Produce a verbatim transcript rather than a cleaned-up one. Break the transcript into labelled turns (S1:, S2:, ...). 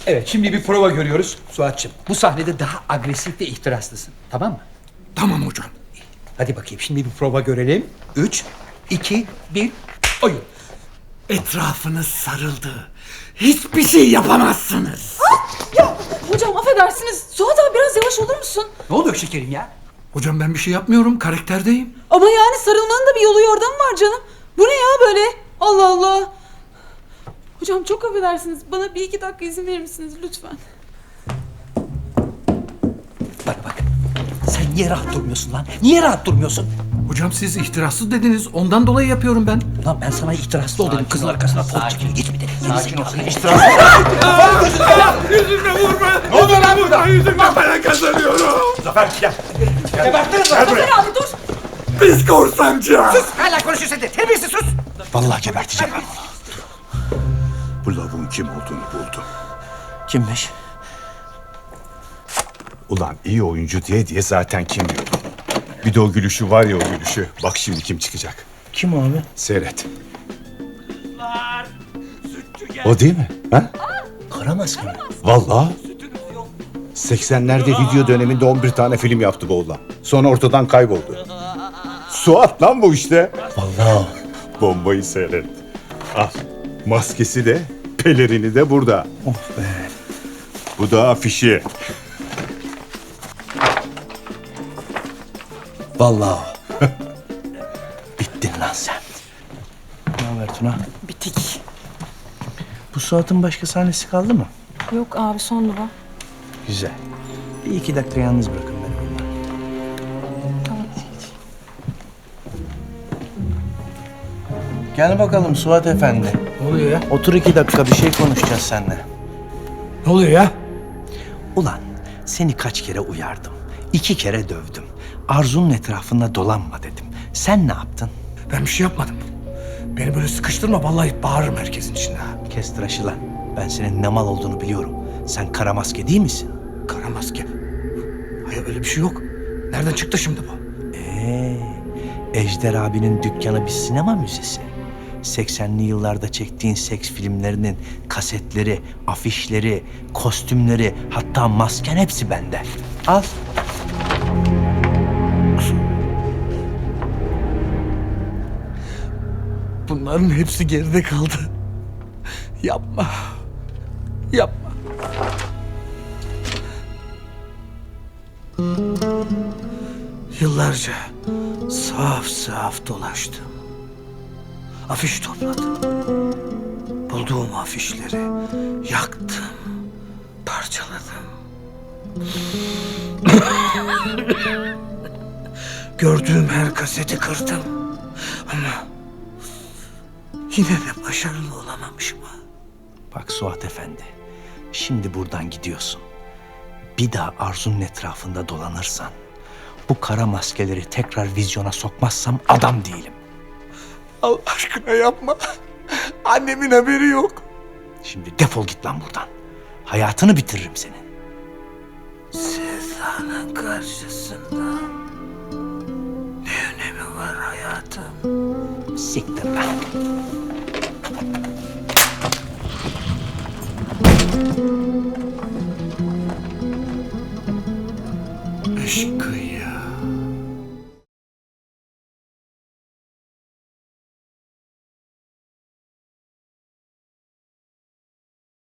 S1: Evet, şimdi bir prova görüyoruz Suat'cığım. Bu sahnede daha agresif ve ihtiraslısın. Tamam mı?
S2: Tamam hocam.
S1: Hadi bakayım, şimdi bir prova görelim. Üç, iki, bir, oyun.
S2: Etrafınız sarıldı. Hiçbir şey yapamazsınız.
S3: Ya hocam affedersiniz. Suat abi biraz yavaş olur musun?
S1: Ne oluyor şekerim ya?
S2: Hocam ben bir şey yapmıyorum. Karakterdeyim.
S3: Ama yani sarılmanın da bir yolu yordamı var canım. Bu ne ya böyle? Allah Allah. Hocam çok affedersiniz. Bana bir iki dakika izin verir misiniz lütfen?
S1: Bana bak. Sen niye rahat durmuyorsun lan? Niye rahat durmuyorsun?
S2: Hocam siz ihtirassız dediniz. Ondan dolayı yapıyorum ben.
S1: Lan ben sana ihtiraslı ol dedim. Kızın arkasına pot çekil. Geçmedi.
S4: Sakin ol.
S2: Yüzüme vurma. Ne oluyor lan burada? Yüzüme para kazanıyorum.
S4: Zafer gel.
S1: Gebertiriz lan.
S3: Zafer abi dur.
S2: Biz korsancı.
S1: Hala konuşuyorsun de. Terbiyesiz sus.
S4: Vallahi geberteceğim. Bu lavuğun kim olduğunu buldum.
S1: Kimmiş?
S4: Ulan iyi oyuncu diye diye zaten kim diyordum. Bir de o gülüşü var ya, o gülüşü. Bak şimdi kim çıkacak.
S1: Kim abi?
S4: Seyret. O değil mi? Ha?
S1: Kara maske mi?
S4: Vallahi. seksenlerde video döneminde on bir tane film yaptı bu oğlan. Sonra ortadan kayboldu. Suat lan bu işte.
S1: Vallahi.
S4: Bombayı seyret. Al. Maskesi de, pelerini de burada.
S1: Of be.
S4: Bu da afişi.
S1: Vallahi. Bittin lan sen.
S5: Ne haber Tuna?
S3: Bitik.
S5: Bu Suat'ın başka sahnesi kaldı mı?
S3: Yok abi son duva.
S5: Güzel. Bir iki dakika yalnız bırakın beni onunla.
S3: Tamam.
S5: Gel bakalım Suat Efendi.
S2: Ne oluyor ya?
S5: Otur iki dakika, bir şey konuşacağız seninle.
S2: Ne oluyor ya?
S5: Ulan seni kaç kere uyardım. İki kere dövdüm. Arzu'nun etrafında dolanma dedim. Sen ne yaptın?
S2: Ben bir şey yapmadım. Beni böyle sıkıştırma. Vallahi bağırırım herkesin içinde.
S5: Kes tıraşı lan. Ben senin ne mal olduğunu biliyorum. Sen kara maske değil misin?
S2: Kara maske. Hayır öyle bir şey yok. Nereden çıktı şimdi bu?
S5: Ee, Ejder abinin dükkanı bir sinema müzesi. seksenli yıllarda çektiğin seks filmlerinin kasetleri, afişleri, kostümleri, hatta masken hepsi bende. Al.
S2: Bunların hepsi geride kaldı. Yapma. Yapma. Yıllarca saf saf dolaştım. Afiş topladım. Bulduğum afişleri yaktım, parçaladım. Gördüğüm her kaseti kırdım. Ama yine de başarılı olamamışım.
S5: Bak Suat Efendi, şimdi buradan gidiyorsun. Bir daha Arzu'nun etrafında dolanırsan, bu kara maskeleri tekrar vizyona sokmazsam adam değilim.
S2: Allah aşkına yapma. Annemin haberi yok.
S5: Şimdi defol git lan buradan. Hayatını bitiririm senin.
S2: Sevdanın karşısında ne önemi var hayatım?
S5: Siktir lan.